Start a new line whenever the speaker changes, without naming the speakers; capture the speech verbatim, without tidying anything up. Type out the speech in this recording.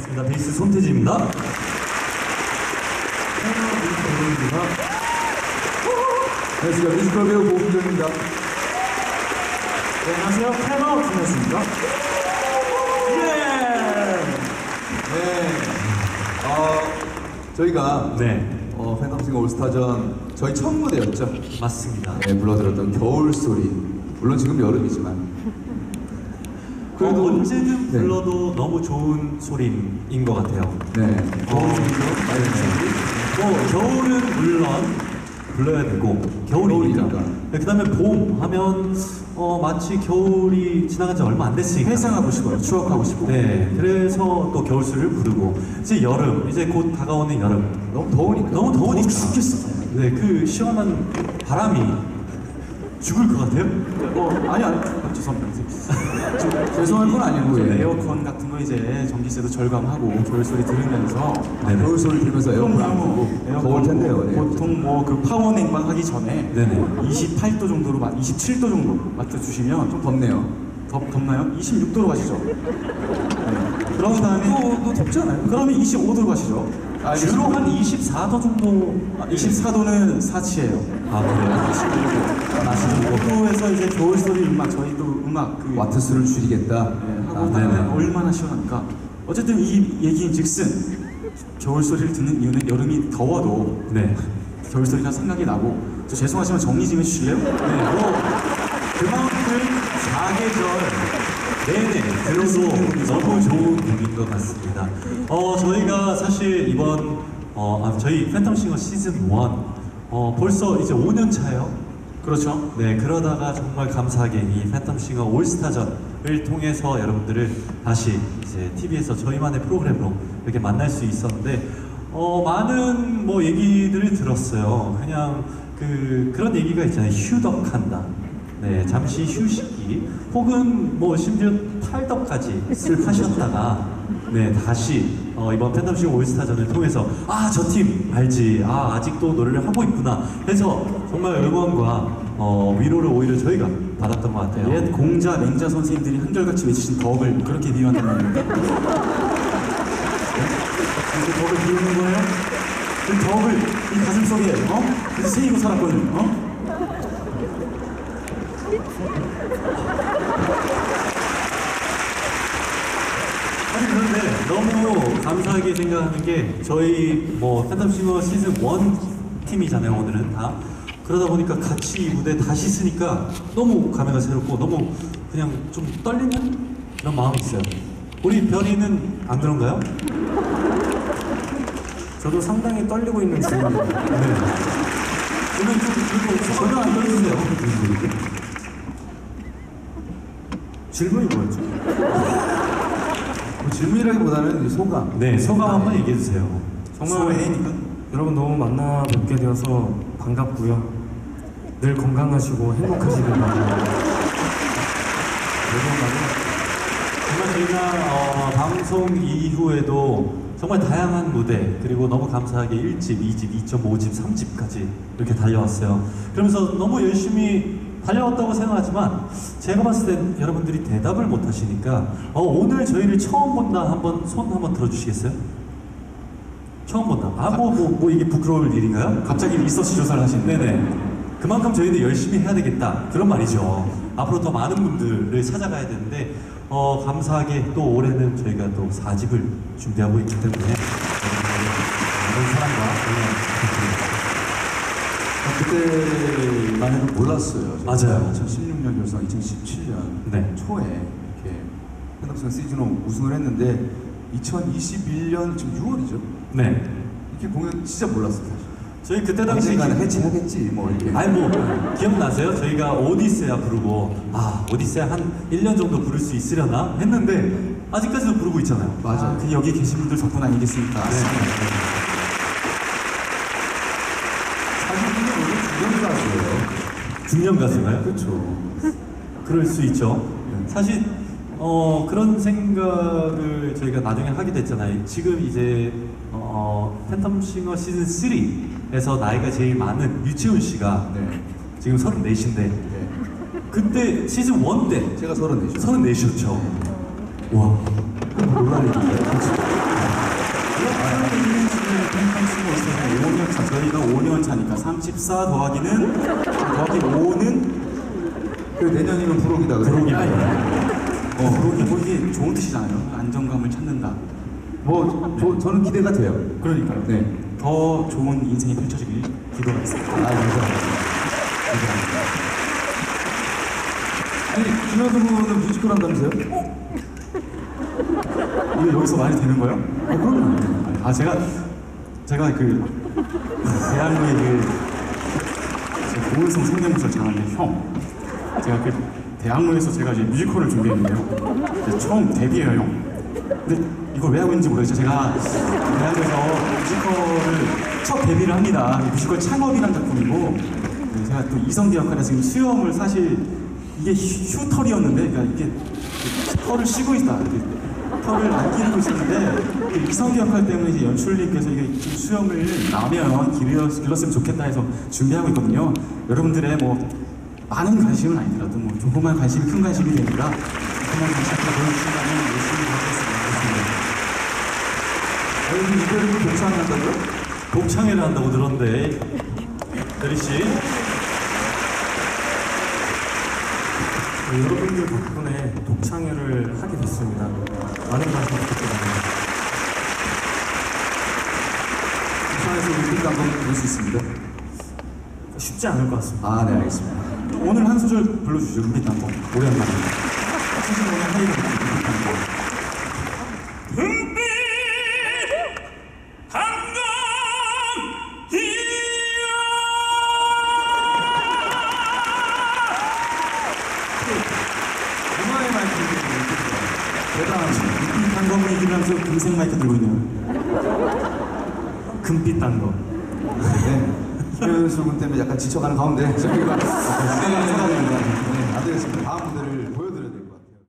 반갑습니다. 베이스 손태진입니다.
안녕하세요. 뮤지컬 배우 고은정입니다.
네, 안녕하세요. 패너 김혜수입니다.
예! 네. 어, 저희가
네,
어, 팬덤싱어 올스타전 저희 첫 무대였죠.
맞습니다.
네, 불러드렸던 겨울 소리. 물론 지금 여름이지만.
그래도 언제든
네.
불러도 너무 좋은 소리인 것 같아요.
네.
어, 네. 뭐 겨울은 물론 불러야 되고 겨울이니까.
겨울이니까.
네, 그다음에 봄 하면 어, 마치 겨울이 지나간 지 얼마 안 됐으니까
회상하고 싶어요. 추억하고 싶고.
네, 그래서 또 겨울소리를 부르고 이제 여름, 이제 곧 다가오는 여름.
너무 더우니까.
너무 더우니까
죽겠어.
네, 그 시원한 바람이 죽을 것 같아요.
어, 아니, 아니, 아, 죄송합니다.
좀 죄송한 건 아니고.
좀
예.
에어컨 같은 거 이제 전기세도 절감하고 겨울 소리 들으면서
네네.
겨울 소리 들으면서 에어컨 안 끄고 더울 텐데요. 네.
보통 뭐 그 파워 냉방 하기 전에
네네.
이십팔 도 정도로, 마- 이십칠 도 정도 맞춰주시면
좀 덥네요.
덥, 덥나요? 이십육 도로 가시죠. 네. 그런 다음에
또, 또 덥지 않아요?
그러면 이십오 도로 가시죠.
아, 주로 한 이십사 도 정도.
아, 이십사 도는 사치예요.
아, 그래요?
이십오 도에서 이제 겨울 소리 음악, 저희도 음악 그
와트수를 줄이겠다.
네, 하고
아,
나면
네네.
얼마나 시원합니까? 어쨌든 이 얘기인즉슨 겨울 소리를 듣는 이유는 여름이 더워도
네.
겨울 소리가 생각이 나고. 저 죄송하지만 정리 좀 해주실래요?
네, 뭐 그만큼 사계절 내내 들어도 너무 좋은 곡인 것 같습니다. 어, 저희가 사실 이번 어, 아, 저희 팬텀싱어 시즌 일 어, 벌써 이제 오 년 차예요.
그렇죠.
네, 그러다가 정말 감사하게 이 팬텀싱어 올스타전을 통해서 여러분들을 다시 이제 티비에서 저희만의 프로그램으로 이렇게 만날 수 있었는데, 어, 많은 뭐 얘기들을 들었어요. 그냥 그, 그런 얘기가 있잖아요. 휴덕한다. 네, 잠시 휴식기, 혹은 뭐 심지어 탈덕까지 하셨다가, 네, 다시 어, 이번 팬텀싱어 올스타전을 통해서 아, 저 팀 알지, 아, 아직도 노래를 하고 있구나 해서 정말 응원과 어, 위로를 오히려 저희가 받았던 것 같아요.
옛 공자, 맹자 선생님들이 한결같이 외치신 덕을 그렇게 비유한단 말입니까? 그 덕을 비우는 거예요? 그 덕을 이 가슴 속에 어? 그래서 새기고 살았거든요. 어?
아니 그런데 너무 감사하게 생각하는 게 저희 뭐 팬텀싱어 시즌 일 팀이잖아요 오늘은 다. 그러다 보니까 같이 이 무대 다시 쓰니까 너무 감회가 새롭고 너무 그냥 좀 떨리는 그런 마음이 있어요. 우리 별이는 안 그런가요?
저도 상당히 떨리고 있는 중입니다.
네. 오늘 좀 그리고 전혀 안 떨리세요.
질문이 뭐였죠?
뭐 질문이라기보다는 이제 소감.
네, 소감 한번 얘기해 주세요.
정말 애니까.
여러분 너무 만나 뵙게 되어서 반갑고요. 늘 건강하시고 행복하시길 바랍니다.
정말 저희가 어, 방송 이후에도 정말 다양한 무대 그리고 너무 감사하게 일 집, 이 집, 이 점 오 집, 삼 집까지 이렇게 달려왔어요. 그러면서 너무 열심히 달려왔다고 생각하지만 제가 봤을 땐 여러분들이 대답을 못 하시니까 어, 오늘 저희를 처음 본다 한번 손 한번 들어주시겠어요? 처음 본다. 아, 뭐, 뭐, 뭐 이게 부끄러울 일인가요?
갑자기 리서치 조사를 하시는.
네네. 그만큼 저희도 열심히 해야 되겠다. 그런 말이죠. 앞으로 더 많은 분들을 찾아가야 되는데, 어, 감사하게 또 올해는 저희가 또 사 집을 준비하고 있기 때문에, 많은 사랑과 응원 부탁드립니다.
그때만 해도 몰랐어요.
맞아요.
이천십육 년 결성, 이천십칠 년
네.
초에 이렇게 팬덤싱어 시즌 일 우승을 했는데 이천이십일 년 지금 유월이죠.
네.
이렇게 공연 진짜 몰랐어요. 사실.
저희 그때 당시.
언젠가는 해체하겠지 뭐 이렇게.
아니 뭐 기억나세요? 저희가 오디세아 부르고 아 오디세아 한 일 년 정도 부를 수 있으려나 했는데 아직까지도 부르고 있잖아요.
맞아요.
그 여기 계신 분들 덕분 아니겠습니까?
네.
사실 이게 원래 중년 가수예요.
중년 가수인가요?
그렇죠.
그럴 수 있죠. 사실 어, 그런 생각을 저희가 나중에 하게 됐잖아요. 지금 이제 어, 팬텀싱어 시즌 삼에서 나이가 제일 많은 유채훈 씨가
네.
지금 서른넷인데
네.
그때 시즌 일 때
제가 서른네죠.
서른넷이었죠. 와.
놀랄 일인데.
십사 더하기는 더하기 오는
그 내년이면 불혹이다 그래.
부록이다. 어, 부록이 뭐 이게 좋은 뜻이잖아요. 안정감을 찾는다.
뭐 저, 저는 기대가 돼요.
그러니까요.
네.
더 좋은 인생이 펼쳐지길 기도하겠습니다.
아 감사합니다. 아니 김현수 군은 뮤지컬 한다면서요?
이게 여기서 말이 되는 거예요?
아 그럼요.
아 제가 제가 그 대학로의 그 제 고은성 성대모사를 잘하는데 형 제가 그 대학로에서 제가 이제 뮤지컬을 준비했는데요. 이제 처음 데뷔해요 형. 근데 이걸 왜 하고 있는지 모르겠어요. 제가 대학에서 뮤지컬을 첫 데뷔를 합니다. 뮤지컬 창업이라는 작품이고 네, 제가 또 이성기 역할에 지금 수염을 사실 이게 휴, 휴털이었는데 그러니까 이게 털을 쉬고 있다. 이렇게 털을 안 기르고 있었는데 그 이성기 역할 때문에 이제 연출님께서 이게 좀 수염을 나면 길러, 길렀으면 좋겠다 해서 준비하고 있거든요. 여러분들의 뭐 많은 관심은 아니더라도 뭐 조그만 관심이 큰 관심이 되니까 그만 관심을 보여주신다면 열심히 하겠습니다.
여기 이별을 독창한다고요?
독창회를 한다고 들었는데 대리 씨.
네, 여러분들 덕분에 독창회를 하게 됐습니다. 많은 관심 부탁드립니다.
부산에서 올림픽 한번 볼 수 있습니다.
쉽지 않을 것 같습니다.
아 네 알겠습니다.
오늘 한 소절 불러주시죠. 은빛 단거 오랜만에. 사실 오늘 하이가 은빛 단거.
은빛
문화의 마이크 대단하죠. 은빛 단거 얘기를 하면서 금색 마이크 들고 있네요.
금빛 단 거.
네. 김현수 군 때문에 약간 지쳐가는 가운데 저희가 진행하는